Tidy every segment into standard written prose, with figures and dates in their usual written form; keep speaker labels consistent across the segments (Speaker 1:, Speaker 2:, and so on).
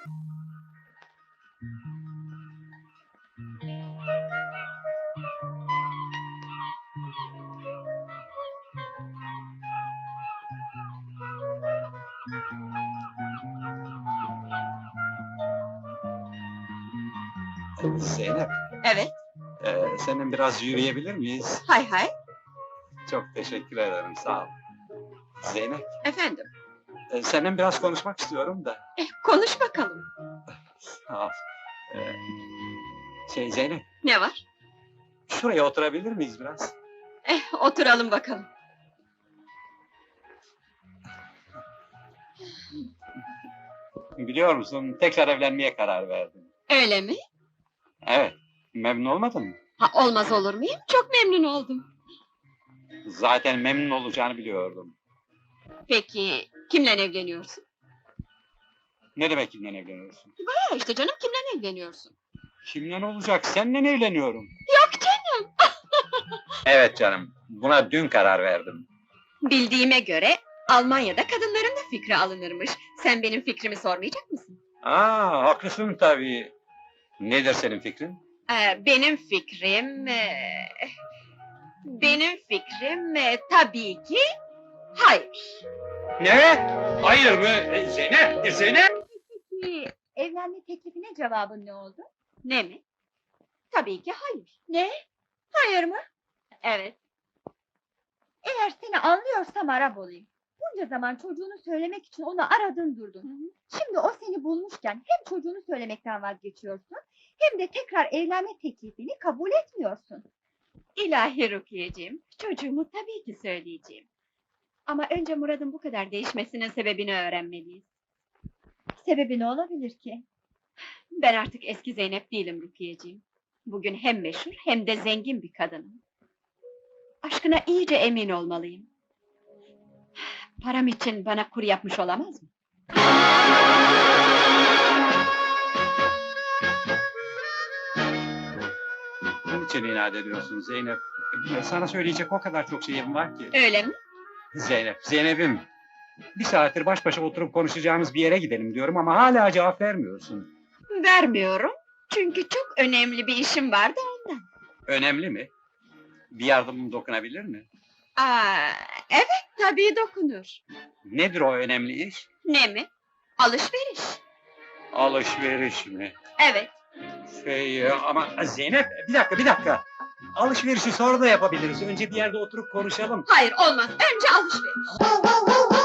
Speaker 1: Zeynep,
Speaker 2: Evet,
Speaker 1: seninle biraz yürüyebilir miyiz?
Speaker 2: hay hay.
Speaker 1: Çok teşekkür ederim, sağ ol. Zeynep,
Speaker 2: Efendim,
Speaker 1: seninle biraz konuşmak istiyorum da.
Speaker 2: konuş bakalım.
Speaker 1: Sağ ol. Zeynep,
Speaker 2: Ne var?
Speaker 1: şuraya oturabilir miyiz biraz?
Speaker 2: Oturalım bakalım.
Speaker 1: Biliyor musun, tekrar evlenmeye karar verdim.
Speaker 2: Öyle mi?
Speaker 1: Evet, memnun olmadın mı?
Speaker 2: Ha, olmaz olur muyum? Çok memnun oldum.
Speaker 1: Zaten memnun olacağını biliyordum.
Speaker 2: Peki, kimle evleniyorsun?
Speaker 1: Ne demek kimden evleniyorsun?
Speaker 2: Ha işte canım, kimle evleniyorsun?
Speaker 1: Kimden olacak, seninle evleniyorum.
Speaker 2: Yok canım!
Speaker 1: Evet canım, buna dün karar verdim.
Speaker 2: Bildiğime göre, Almanya'da kadınların da fikri alınırmış. Sen benim fikrimi sormayacak mısın?
Speaker 1: Haklısın tabii. Nedir senin fikrin?
Speaker 2: Benim fikrim... Benim fikrim tabii ki hayır.
Speaker 1: Ne? Hayır mı? Zeynep, Zeynep!
Speaker 3: Peki, evlenme teklifine cevabın ne oldu?
Speaker 2: Ne mi? Tabii ki hayır.
Speaker 3: Ne? Hayır mı?
Speaker 2: Evet.
Speaker 3: Eğer seni anlıyorsam Arap olayım. Bunca zaman çocuğunu söylemek için onu aradın durdun. Şimdi o seni bulmuşken hem çocuğunu söylemekten vazgeçiyorsun... ...hem de tekrar evlenme teklifini kabul etmiyorsun.
Speaker 2: İlahi Rukiye'ciğim, çocuğumu tabii ki söyleyeceğim. Ama önce Murat'ın bu kadar değişmesinin sebebini öğrenmeliyiz.
Speaker 3: Sebebi ne olabilir ki?
Speaker 2: Ben artık eski Zeynep değilim Rukiye'ciğim. Bugün hem meşhur hem de zengin bir kadınım. Aşkına iyice emin olmalıyım. Param için bana kur yapmış olamaz mı?
Speaker 1: Bunun için inat ediyorsun Zeynep. Sana söyleyecek o kadar çok şeyim var ki.
Speaker 2: Öyle mi?
Speaker 1: Zeynep'im. Bir saattir baş başa oturup konuşacağımız bir yere gidelim diyorum ama hala cevap vermiyorsun.
Speaker 2: Vermiyorum. Çünkü çok önemli bir işim vardı ondan.
Speaker 1: Önemli mi? Bir yardımım dokunabilir mi?
Speaker 2: Evet tabii dokunur.
Speaker 1: Nedir o önemli iş?
Speaker 2: Ne mi? Alışveriş.
Speaker 1: Alışveriş mi?
Speaker 2: Evet.
Speaker 1: Ama Zeynep, bir dakika. Alışverişi sonra da yapabiliriz. Önce bir yerde oturup konuşalım.
Speaker 2: Hayır olmaz. Önce alışveriş.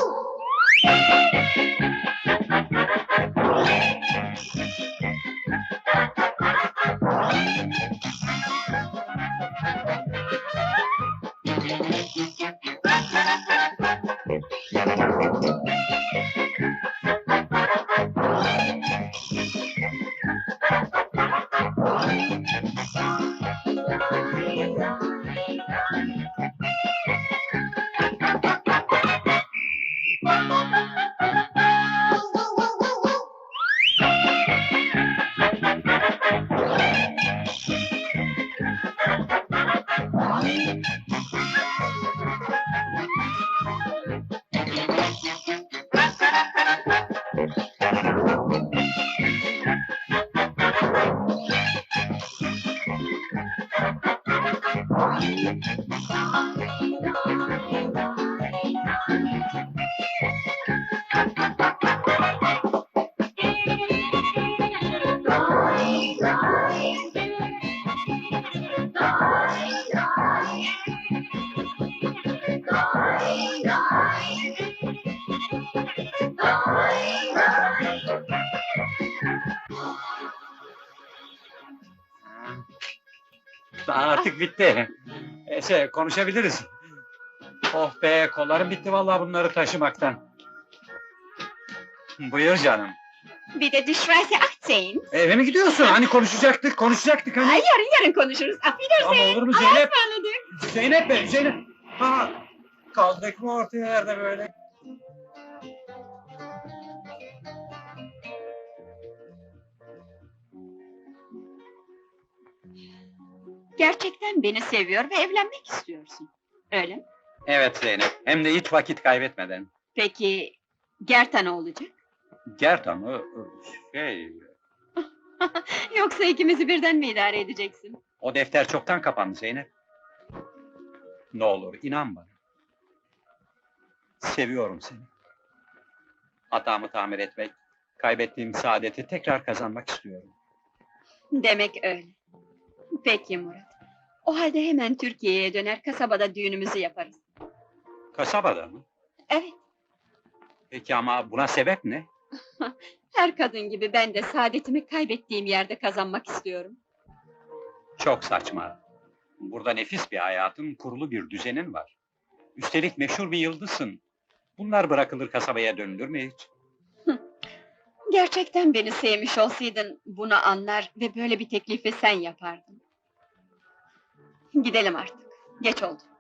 Speaker 1: Artık bitti. Konuşabiliriz. Oh be, kollarım bitti vallahi bunları taşımaktan. Buyur canım.
Speaker 2: Bir de Düşverse Akçeyin.
Speaker 1: Eve mi gidiyorsun? Hani konuşacaktık hani.
Speaker 2: Ay yarın konuşuruz. Affedersin.
Speaker 1: Ama olur mu Zeynep?
Speaker 2: Ismarladık.
Speaker 1: Zeynep! Kaldık mı orta yerde böyle?
Speaker 2: Gerçekten beni seviyor ve evlenmek istiyorsun. Öyle mi?
Speaker 1: Evet Zeynep, hem de hiç vakit kaybetmeden.
Speaker 2: Peki, Gerta ne olacak?
Speaker 1: Gerdan'ı şey...
Speaker 2: Yoksa ikimizi birden mi idare edeceksin?
Speaker 1: O defter çoktan kapandı Zeynep. Ne olur inan bana. Seviyorum seni. Hatamı tamir etmek, kaybettiğim saadeti tekrar kazanmak istiyorum.
Speaker 2: Demek öyle. Peki Murat. O halde hemen Türkiye'ye döner, kasabada düğünümüzü yaparız.
Speaker 1: Kasabada mı?
Speaker 2: Evet,
Speaker 1: Peki ama buna sebep ne?
Speaker 2: her kadın gibi ben de saadetimi kaybettiğim yerde kazanmak istiyorum.
Speaker 1: Çok saçma. Burada nefis bir hayatın, kurulu bir düzenin var. Üstelik meşhur bir yıldızsın. Bunlar bırakılır kasabaya dönülür mü hiç?
Speaker 2: Gerçekten beni sevmiş olsaydın bunu anlar ve böyle bir teklifi sen yapardın. Gidelim artık. Geç oldu.